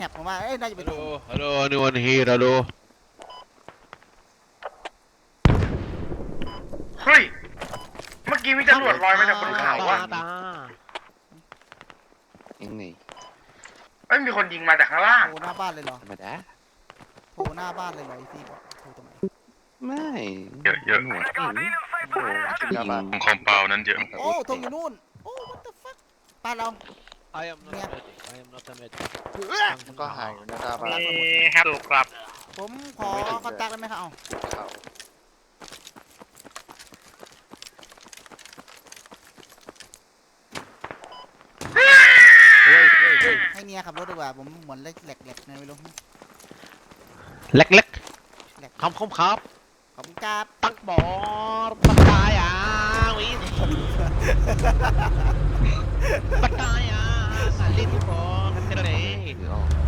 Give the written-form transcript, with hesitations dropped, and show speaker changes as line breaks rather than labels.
แหบผมว่าเอ้ยน่าจะเป็นผม
Hello, anyone here? Hello.
เฮ้ยเมื่อกี้มีจรวดลอยมาจากบนเขาอะ
ยังไง
เอ้ยมีคนยิงมาจากข้างล่าง
โผล่หน้าบ้านเลยเหรอ
ธรรมดา
โผล่หน้าบ้านเลยเหรอไอซี่บอกโผล่ทำไม
ไม่
เยอะ
หนวดไม่เห็นโอ้ชุดยิง
คอมเปานั้นเยอะ
โอ้ธงอยู่นู่นโอ้ what the fuck บ้านเรา
I am not
Yeah.
ready. I am not ready.
มันก็หายอยู่หน้าตาบ้าน
ฮัลโหลครับ
ผมขอคอนแทคได้ไหมครับเอา
เขา
ให้เมียขับรถดีกว่าผมเหมือนแหลกๆไงไม่รู้
Lek lek.
แหลก
Kom kom kom.
ขอบคุณครับ
Tak bor. Percaya. Wih. Percaya. Salin bor. Keren.